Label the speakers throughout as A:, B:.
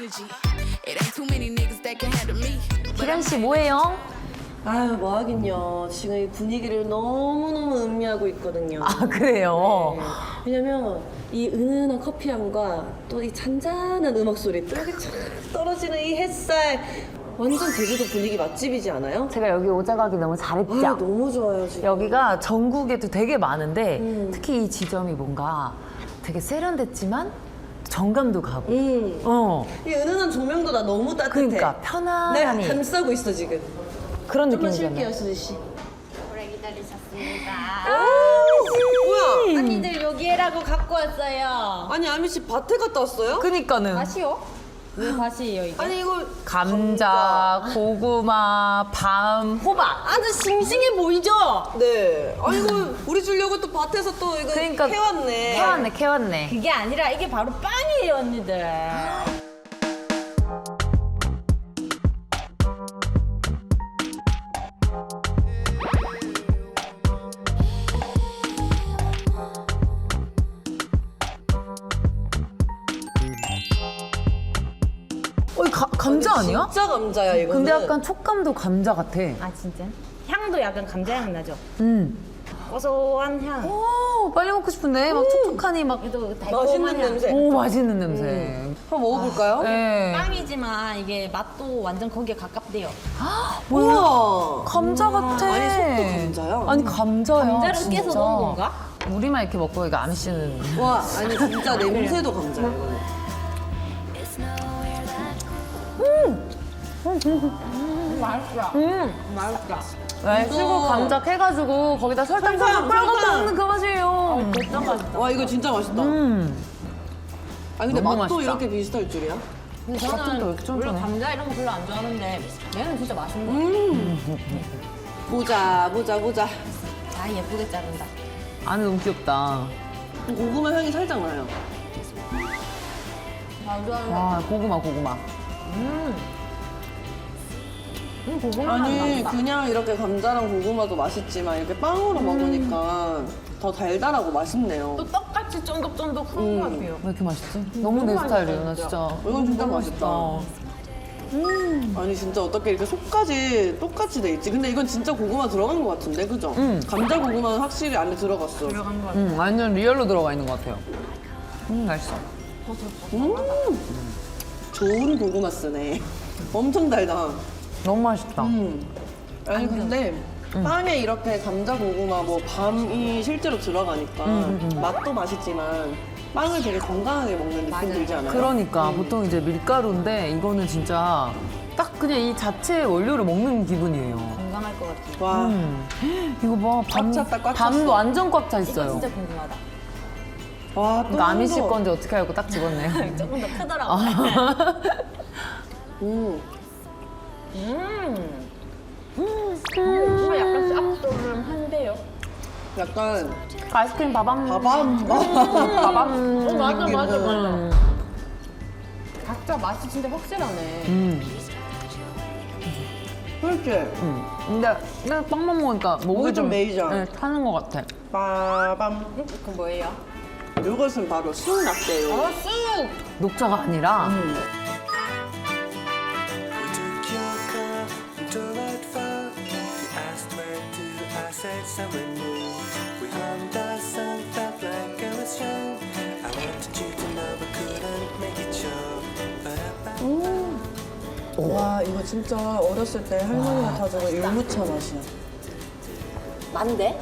A: 기련 씨 뭐해요?
B: 아유 뭐 하긴요. 지금 이 분위기를 너무너무 음미하고 있거든요.
A: 아 그래요?
B: 네. 왜냐면 이 은은한 커피향과 또 이 잔잔한 음악 소리 또 여기 쫙 떨어지는 이 햇살 완전 제주도 분위기 맛집이지 않아요?
A: 제가 여기 오자 가기 너무 잘했죠?
B: 아 너무 좋아요 지금.
A: 여기가 전국에도 되게 많은데 특히 이 지점이 뭔가 되게 세련됐지만 정감도 가고
B: 이 은은한 조명도 나 너무 따뜻해.
A: 그러니까 편안하니
B: 내가 감싸고 있어 지금.
A: 그런
B: 좀만
A: 느낌이잖아요.
B: 쉴게요 수지 씨.
C: 오래 기다리셨습니다.
B: 뭐야?
C: 언니들 여기에라고 갖고 왔어요.
B: 아니 아미 씨 밭에 갔다 왔어요?
A: 그니까는
C: 밭이요? 왜 밭이에요 이게?
B: 아니 이거
A: 감자, 고구마, 밤, 호박
C: 아주 싱싱해 보이죠?
B: 네. 아니 이거 우리 주려고 또 밭에서 또 이거
A: 그러니까
B: 캐왔네.
A: 캐왔네.
C: 그게 아니라 이게 바로 빵이에요 언니들.
A: 감자 아니야?
B: 진짜 감자야 이거.
A: 근데 약간 촉감도 감자 같아.
C: 아 진짜? 향도 약간 감자향 나죠?
A: 음.
C: 고소한 향.
A: 오, 빨리 먹고 싶은데 막 촉촉하니 막.
C: 또 달콤한
B: 맛있는
C: 향.
B: 냄새.
A: 오, 맛있는 냄새.
B: 한번 먹어볼까요?
A: 네.
C: 빵이지만 이게 맛도 완전 거기에 가깝대요.
B: 우와.
A: 감자 같아.
B: 아니 속도 감자야.
A: 아니 감자야.
C: 감자를
A: 진짜.
C: 깨서 넣은 건가?
A: 우리만 이렇게 먹고 이거 아미 씨는.
B: 와 아니 진짜 냄새도 감자야 이거는.
C: 맛있다. 맛있다.
A: 네, 시고 감자 캐가지고 거기다 설탕
B: 설탕,
A: 뿌려서
B: 설탕.
A: 먹는 그 맛이에요.
C: 진짜 맛있다.
B: 와 이거 진짜 맛있다. 아니 근데
A: 너무
B: 맛도
A: 맛있다.
B: 이렇게 비슷할 줄이야?
C: 근데
A: 같은 또 왜
C: 저는
A: 이렇게
C: 원래
A: 쫀쫀해?
C: 감자 이런 거 별로 안 좋아하는데 얘는 진짜 맛있네.
B: 보자 보자 보자.
C: 아 예쁘게 자른다.
A: 안에 너무 귀엽다.
B: 고구마 향이 살짝 나요.
C: 아 좋아하는
A: 와, 고구마.
C: 고구마
B: 아니
C: 맛
B: 그냥 이렇게 감자랑 고구마도 맛있지만 이렇게 빵으로 먹으니까 더 달달하고 맛있네요.
C: 또 떡같이 쫀득쫀득한 것 같아요.
A: 왜 이렇게 맛있지? 너무 내
C: 맛있다,
A: 스타일이에요, 나
C: 진짜.
A: 진짜.
B: 이건 진짜
A: 너무
B: 맛있다. 아니 진짜 어떻게 이렇게 속까지 똑같이 돼 있지? 근데 이건 진짜 고구마 들어간 것 같은데 그죠? 감자 고구마는 확실히 안에 들어갔어.
C: 들어간 것 같아요.
A: 완전 리얼로 들어가 있는 것 같아요. 맛있어.
B: 좋은 고구마 쓰네. 엄청 달다.
A: 너무 맛있다.
B: 아니 근데 빵에 이렇게 감자 고구마 뭐 밤이 실제로 들어가니까 맛도 맛있지만 빵을 되게 건강하게 먹는 느낌 들지 않아요?
A: 그러니까 보통 이제 밀가루인데 이거는 진짜 딱 그냥 이 자체 원료를 먹는 기분이에요.
C: 건강할 것 같아요.
B: 와
A: 이거 봐, 밤,
B: 꽉 찼다, 꽉
A: 밤도
B: 찼어.
A: 완전 꽉 차
C: 이거
A: 있어요.
C: 진짜 궁금하다.
B: 와, 또
A: 그러니까 아미 씨
B: 한 번.
A: 건지 어떻게 알고 딱 집었네요.
C: 조금 더 크더라고. 뭔가 약간 쌉소름한데요.
B: 약간
A: 아이스크림 바밤.
B: 바밤
A: 바밤.
C: 맞아. 각자 맛이 진짜 확실하네.
B: 그렇지?
A: 근데 그냥 빵만 먹으니까 목이
B: 목이 좀 메이죠?
A: 네, 타는 것 같아.
B: 빠밤.
C: 그건 뭐예요?
B: 이것은 바로 쑥 라떼요.
C: 쑥!
A: 녹차가 아니라
D: We took your car and drove out far. You asked where to, I said somewhere new. We hummed our song, felt like I was young. I wanted you to know but couldn't make it show.
B: 와 이거 진짜 어렸을 때 할머니가 타주는 율무차 맛이야.
C: 만데?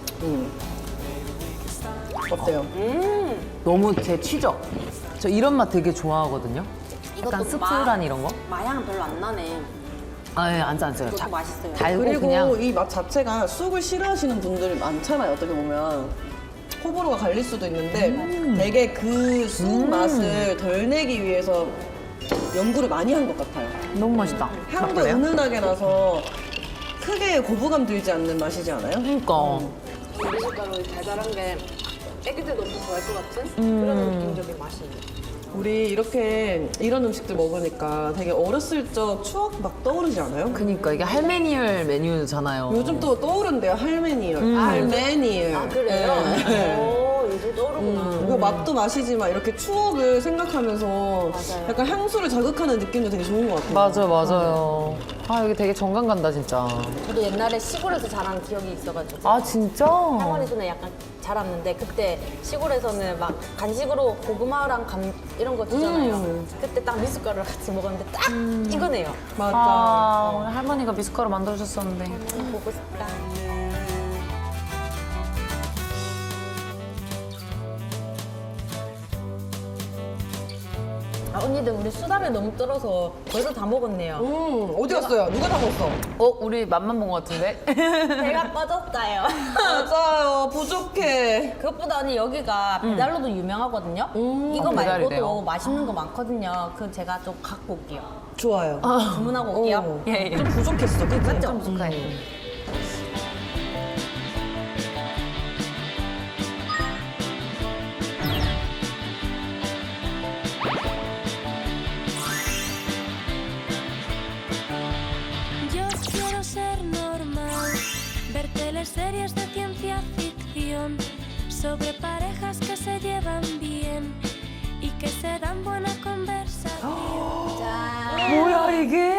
B: 어때요?
A: 너무 제 취죠. 저 이런 맛 되게 좋아하거든요. 약간
C: 이것도
A: 씁쓸한 이런 거.
C: 마향은 별로 안 나네.
A: 아, 예, 안 짜요.
C: 이것도 맛있어요.
A: 달고
B: 그리고
A: 그냥.
B: 이 맛 자체가 쑥을 싫어하시는 분들이 많잖아요. 어떻게 보면 호불호가 갈릴 수도 있는데 되게 그 쑥 맛을 덜 내기 위해서 연구를 많이 한 것 같아요.
A: 너무 맛있다.
B: 향도
A: 그래요?
B: 은은하게 나서 크게 거부감 들지 않는 맛이지 않아요?
A: 그러니까.
C: 미숫가루 달달한 게 애기들도 엄청 좋아할 것 같은 그런 느낌적인 맛이에요.
B: 우리 이렇게 이런 음식들 먹으니까 되게 어렸을 적 추억 막 떠오르지 않아요?
A: 그러니까 이게 할메니얼 메뉴잖아요.
B: 요즘 또 떠오른대요 할메니얼. 할메니얼.
C: 아 그래요?
B: 네.
C: 오 요즘 떠오르구나.
B: 이거 맛도 맛이지만 이렇게 추억을 생각하면서
C: 맞아요.
B: 약간 향수를 자극하는 느낌도 되게 좋은 것 같아요.
A: 맞아요, 맞아요. 아, 여기 되게 정감 간다, 진짜.
C: 저도 옛날에 시골에서 자란 기억이 있어가지고
A: 아, 진짜?
C: 할머니 손에 약간 자랐는데 그때 시골에서는 막 간식으로 고구마랑 감 이런 거 주잖아요. 그때 딱 미숫가루를 같이 먹었는데 딱 이거네요.
B: 맞아.
A: 아, 오늘 할머니가 미숫가루 만들어주셨었는데.
C: 보고 싶다. 아, 언니들 우리 수다를 너무 떨어서 벌써 다 먹었네요.
B: 어디 갔어요? 누가 다 먹었어?
A: 우리 맛만 본 것 같은데?
C: 배가 빠졌어요.
B: 맞아요. 부족해.
C: 그것보다 언니 여기가 배달로도 유명하거든요. 이거 말고도
A: 배달이래요?
C: 맛있는 거 많거든요. 그럼 제가 좀 갖고 올게요.
B: 좋아요.
C: 주문하고 올게요.
B: 어.
A: 예, 예.
B: 좀 부족했어. 그치?
C: 맞죠?
E: Yo quiero ser normal, ver teleseries de ciencia ficción sobre parejas que se llevan bien y que se dan buena conversación.
A: 뭐야, 이게?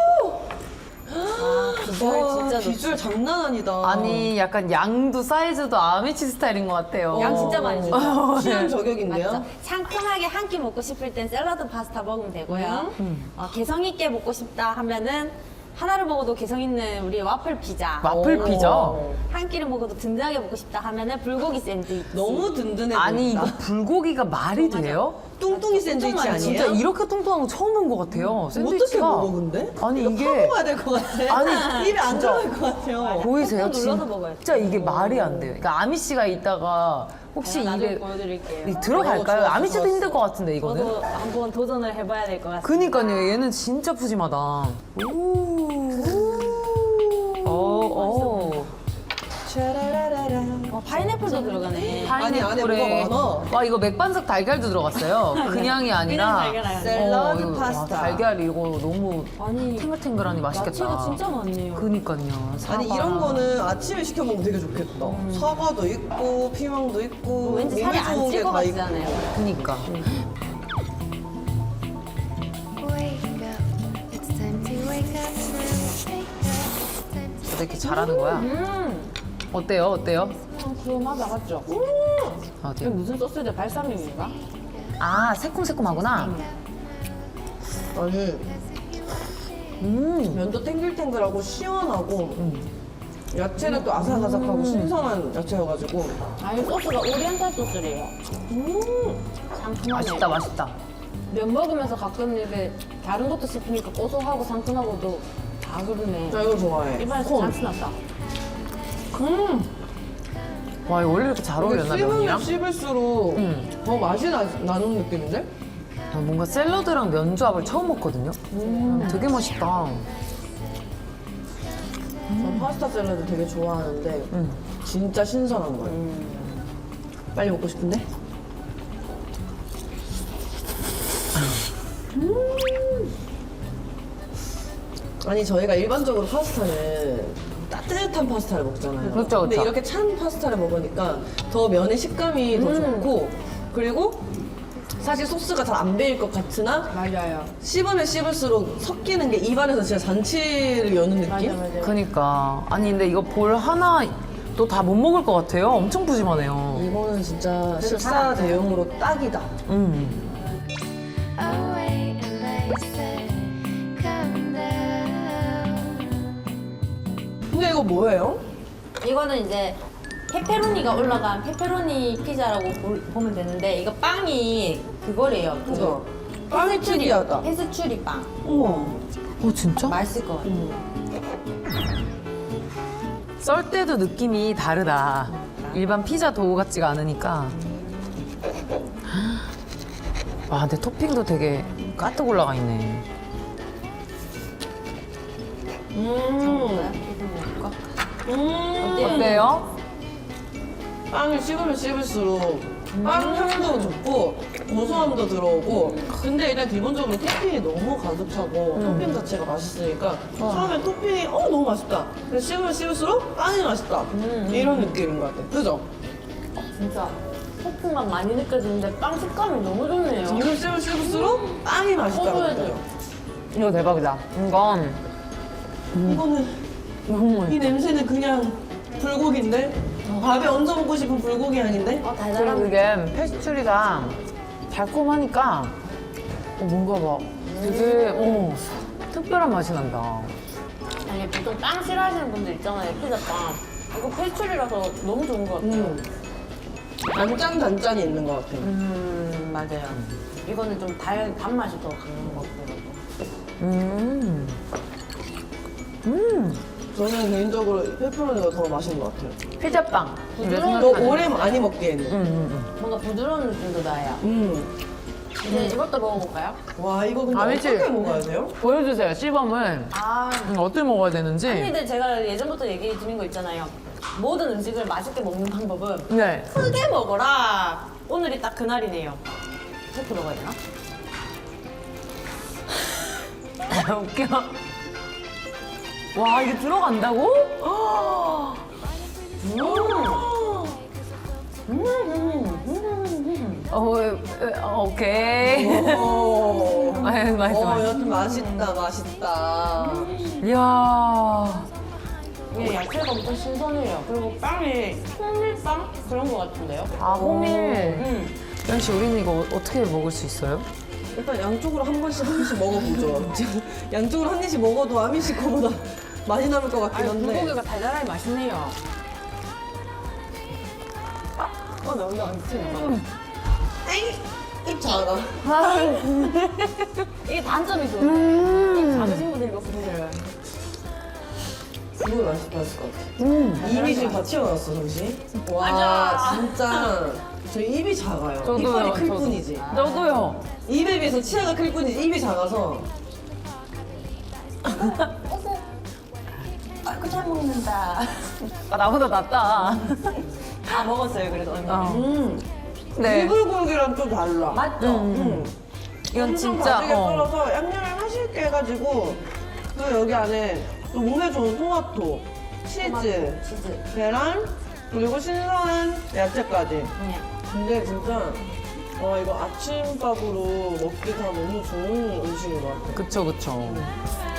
C: 비주얼 진짜 좋지.
B: 비주얼 장난 아니다.
A: 아니, 약간 양도 사이즈도 아미치 스타일인 것 같아요.
C: 양 진짜 많이 주죠.
B: 취향 저격인데요?
C: 맞죠? 상큼하게 한 끼 먹고 싶을 땐 샐러드 파스타 먹으면 되고요. 개성 있게 먹고 싶다 하면은 하나를 먹어도 개성 있는 우리 와플 피자.
A: 와플 피자?
C: 한 끼를 먹어도 든든하게 먹고 싶다 하면은 불고기 샌드위치.
B: 너무 든든해
A: 아니, 이거
B: 보인다.
A: 불고기가 말이 돼요?
B: 뚱뚱이 샌드위치
C: 많이
B: 아니에요?
A: 진짜 이렇게 통통한 거 처음 본 것 같아요.
B: 어떻게
A: 샌드위치가.
B: 먹어 근데?
A: 아니,
B: 이거
A: 이게-
B: 파 먹어야 될 것 같아.
A: 아니,
B: 입에 안
A: 진짜.
B: 들어갈 것 같아요.
A: 보이세요?
C: 꾹꾹 눌러서 먹어요.
A: 진짜 이게 말이 안 돼요. 그러니까 아미 씨가 있다가 혹시
C: 제가 나중에
A: 입에
C: 보여드릴게요.
A: 들어갈까요?
B: 좋았어,
A: 아미 씨도
B: 좋았어.
A: 힘들 것 같은데 이거는.
C: 저도 한번 도전을 해봐야 될 것 같습니다.
A: 그니까요. 얘는 진짜 푸짐하다. 오. 오.
B: 차라라라라.
C: 파인애플도 들어가네.
B: 아니, 안에
A: 파인애플에
B: 뭐가 많아.
A: 와 이거 맥반석 달걀도 들어갔어요. 그냥이 아니라
C: 달걀 아니야.
B: 샐러드
A: 이거,
B: 파스타.
A: 와, 달걀 이거 너무
C: 아니,
A: 탱글탱글하니 맛있겠다.
C: 야채가 진짜 많네요.
A: 그니까요. 사과.
B: 아니 이런 거는 아침에 시켜 먹으면 되게 좋겠다. 사과도 있고 피망도 있고
C: 왠지 살이 안
B: 몸에
C: 찔
B: 좋은
C: 것
B: 게다
C: 같잖아요.
B: 있고.
A: 그니까.
E: Wake up, it's time to wake up now. Wake up, it's time to
A: 이렇게 잘하는 거야. 어때요? 어때요?
C: 그 맛 나갔죠? 이게
A: 어때요?
C: 무슨 소스인데 발사믹인가?
A: 아 새콤새콤하구나.
B: 아니 면도 탱글탱글하고 시원하고 야채는 또 아삭아삭하고 신선한 야채여가지고
C: 아, 이 소스가 오리엔탈 소스래요. 상큼하네.
A: 맛있다 맛있다.
C: 면 먹으면서 가끔 이렇게 다른 것도 씹히니까 고소하고 상큼하고도 다 그러네.
B: 나 이거 좋아해.
C: 입안에서
B: 콘.
C: 잔치 났다.
A: 와 이거 원래 이렇게 잘
B: 이게
A: 어울렸나
B: 씹으면
A: 면이랑?
B: 씹을수록 더 맛이 나는 느낌인데?
A: 아, 뭔가 샐러드랑 면조합을 처음 먹거든요. 되게 맛있다.
B: 전 파스타 샐러드 되게 좋아하는데 진짜 신선한 거예요. 빨리 먹고 싶은데? 아니 저희가 일반적으로 파스타는 따뜻한 파스타를 먹잖아요.
A: 그렇죠,
B: 근데
A: 그렇죠.
B: 이렇게 찬 파스타를 먹으니까 더 면의 식감이 더 좋고 그리고 사실 소스가 잘 안 배일 것 같으나
C: 맞아요.
B: 씹으면 씹을수록 섞이는 게 입안에서 진짜 잔치를 여는 느낌?
C: 맞아요.
A: 그니까 아니 근데 이거 볼 하나 또 다 못 먹을 것 같아요. 엄청 푸짐하네요.
B: 이거는 진짜 식사 대용으로 딱이다.
E: away and I said, calm down.
B: 근데 이거 뭐예요?
C: 이거는 이제 페페로니가 올라간 페페로니 피자라고 보면 되는데 이거 빵이 그거래요.
B: 그죠? 빵이 특이하다.
C: 페스츄리 빵.
B: 우와.
A: 진짜?
C: 맛있을 것 같아요.
A: 썰 때도 느낌이 다르다. 일반 피자 도우 같지가 않으니까. 와 근데 토핑도 되게 가득 올라가 있네. 어때요?
B: 빵을 씹으면 씹을수록 빵 향도 좋고 고소함도 들어오고 근데 일단 기본적으로 토핑이 너무 가득 차고 토핑 자체가 맛있으니까 처음엔 토핑이 너무 맛있다 근데 씹으면 씹을수록 빵이 맛있다 이런 느낌인 것 같아 그죠?
C: 진짜. 소스만 많이 느껴지는데 빵 식감이 너무 좋네요.
B: 점점 씹을수록 빵이 맛있다는 거예요.
A: 이거 대박이다. 이건
B: 이거는 이 냄새는 그냥 불고기인데 밥에 얹어 먹고 싶은 불고기 아닌데?
C: 어,
A: 그리고
C: 달달한.
A: 이게 페스츄리가 달콤하니까 뭔가 막 되게 특별한 맛이 난다.
C: 아니 보통 빵 싫어하시는 분들 있잖아요. 피자빵. 이거 페스츄리라서 너무 좋은 것 같아요.
B: 단짠단짠이 있는 것 같아요.
C: 맞아요. 이거는 좀 단맛이 더 강한 것 같아요.
B: 저는 개인적으로 페퍼로니가 더 맛있는 것 같아요.
A: 피자빵.
B: 더 오래 많이 먹기에는.
C: 뭔가 부드러운 느낌도 나요. 이제 이것도 먹어볼까요?
B: 와 이거 근데
A: 아니지.
B: 어떻게 먹어야 돼요?
A: 보여주세요, 시범을.
C: 아,
A: 어떻게 먹어야 되는지.
C: 근데 제가 예전부터 얘기 드린 거 있잖아요. 모든 음식을 맛있게 먹는 방법은
A: 네.
C: 크게 먹어라. 오늘이 딱 그날이네요. 이렇게 먹어야 되나?
A: 웃겨. 와, 이게 들어간다고? 오케이. 아유, 맛있어.
B: 여튼 맛있다 맛있다.
A: 이야.
C: 이게 야채가 엄청 신선해요. 그리고 빵이 호밀빵? 그런 거 같은데요?
A: 아, 호밀. 연 씨, 우리는 이거 어떻게 먹을 수 있어요?
B: 일단 양쪽으로 한 번씩 먹어보죠. 양쪽으로 한 입씩 먹어도 아미 씨 거보다 많이 남을 것 같긴 한데.
C: 불고기가 달달하게 맛있네요. 너무 맛있어요.
B: 입 작아.
C: 이게 단점이죠. 이 작으신 분들 이거 보세요.
B: 이거 맛있다 했을 것 같아. 입이 지금 다 튀어나왔어, 정신. 와, 진짜. 저 입이 작아요. 이빨이 클 뿐이지.
A: 저도요.
B: 입에 비해서 치아가 클 뿐이지, 입이 작아서.
C: 아이고 잘 먹는다.
A: 아, 나보다 낫다.
C: 아 먹었어요 그래도.
A: 네.
B: 이불고기랑 좀 달라.
C: 맞죠?
A: 이건
B: 엄청
A: 진짜.
B: 맛있게 썰어서 양념을 맛있게 해가지고 또 여기 안에 또 몸에 좋은 토마토, 치즈, 계란, 그리고 신선한 야채까지. 근데 진짜 이거 아침밥으로 먹기 다 너무 좋은 음식인 것 같아요.
A: 그쵸, 그쵸.